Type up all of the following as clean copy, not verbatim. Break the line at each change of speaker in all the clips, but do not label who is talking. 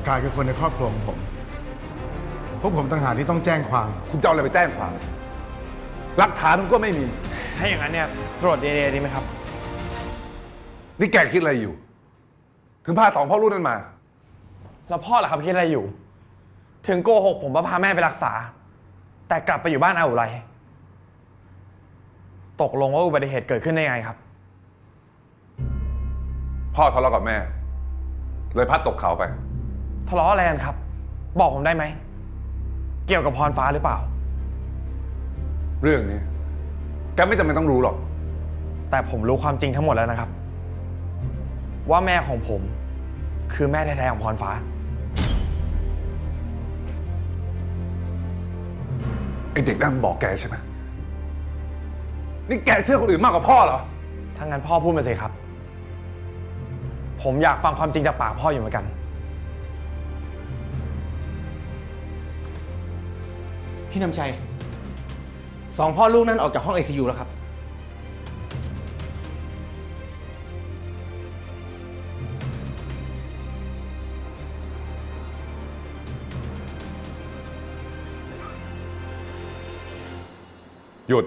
กายคือคนในครอบครัวของผมพวกผมต่างหากที่ต้องแจ้งความ
คุณจะเอาอะไรไปแจ้งความหลักฐานคุณก็ไม่มี
ถ้าอย่างนั้นเนี่ยตรวจ DNA ดีไหมครับ
นี่แกคิดอะไรอยู่ ถึงพาสองพ่อลูกนั้นมา
แล้วพ่อล่ะครับคิดอะไรอยู่ ถึงโกหกผมว่าพาแม่ไปรักษา แต่กลับไปอยู่บ้านอาอุไรตกลงว่าอุบัติเหตุเกิดขึ้นได้ไงครับ
พ่อทะเลาะกับแม่ เลยพัดตกเขาไป
ทะเลาะอะไรกันครับ บอกผมได้ไหมเกี่ยวกับพรฟ้าหรือเปล่า
เรื่องนี้แกไม่จำเป็นต้องรู้หรอก
แต่ผมรู้ความจริงทั้งหมดแล้วนะครับ ว่าแม่ของผมคือแม่แท้ๆของพรฟ้า
ไอเด็กนั่นบอกแกใช่ไหมนี่แกเชื่อคนอื่นมากกว่าพ่อเหรอ
ถ้างั้นพ่อพูดมาสิครับผมอยากฟังความจริงจากปากพ่ออยู่เหมือนกัน
พี่นำชัยสองพ่อลูกนั้นออกจากห้อง ICU แล้วครับ
หยุด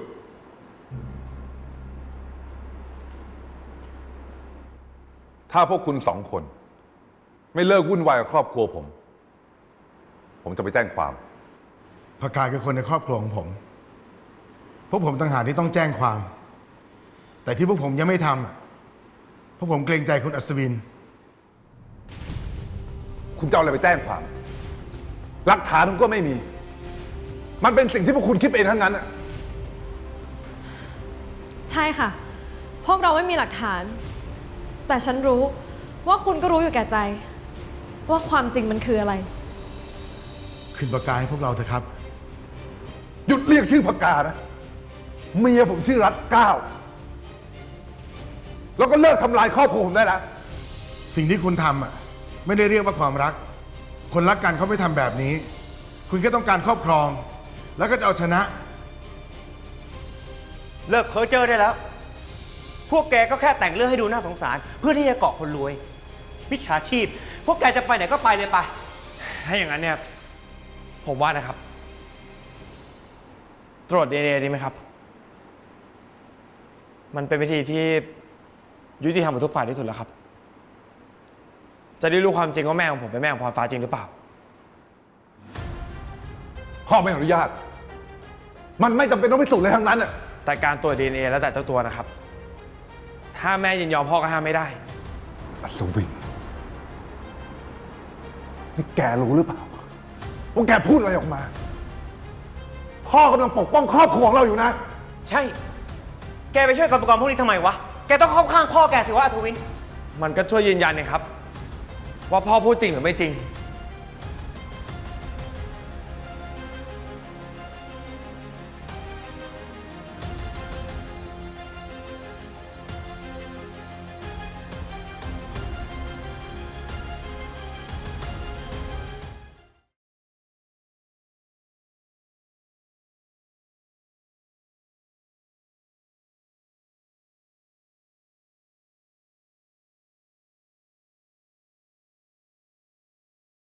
ถ้าพวกคุณสองคนไม่เลิกวุ่นวายกับครอบครัวผมจะไปแจ้งความ
พกายคือคนในครอบครัวของผมพวกผมต่างหากที่ต้องแจ้งความ แต่ที่พวกผมยังไม่ทำพวกผมเกรงใจคุณอัศวิน
คุณจะเอาอะไรไปแจ้งความหลักฐานคุณก็ไม่มี มันเป็นสิ่งที่พวกคุณคิดเองทั้งนั้นอะ
ใช่ค่ะพวกเราไม่มีหลักฐานแต่ฉันรู้ว่าคุณก็รู้อยู่แก่ใจว่าความจริงมันคืออะไร
คืนปากกาให้พวกเราเถอะครับ
หยุดเรียกชื่อปากกานะเมียผมชื่อรัตเก้าแล้วก็เลิกทำลายครอบครัวผมได้แล้ว
สิ่งที่คุณทำไม่ได้เรียกว่าความรักคนรักกันเขาไม่ทำแบบนี้คุณแค่ต้องการครอบครองแล้วก็จะเอาชนะ
เลิกเพ้อเจ้อได้แล้วพวกแกก็แค่แต่งเรื่องให้ดูน่าสงสารเพื่อที่จะเกาะคนรวยมิจฉาชีพพวกแกจะไปไหนก็ไปเลยไป
ถ้าอย่างนั้นเนี่ยผมว่านะครับตรวจ DNA ดีไหมครับมันเป็นวิธีที่ยุติธรรมกับทุกฝ่ายที่สุดแล้วครับจะได้รู้ความจริงว่าแม่ของผมเป็นแม่ของพรฟ้าจริงหรือเปล่า
พ่อไม่อนุญาตมันไม่จำเป็นต้องพิสูจน์เลยทั้งนั้นอะ
แต่การตรวจ DNA แล้วแต่เจ้าตัวนะครับถ้าแม่ยินยอมพ่อก็ห้ามไม่ได้
อัศวินนี่แกรู้หรือเปล่าว่าแกพูดอะไรออกมาพ่อกำลังปกป้องครอบครัวของเราอยู่นะ
ใช่แกไปช่วยกับอุปกรณ์พวกนี้ทำไมวะแกต้องเข้าข้างพ่อแกสิวะอัศวิน
มันก็ช่วยยืนยันนะครับว่าพ่อพูดจริงหรือไม่จริง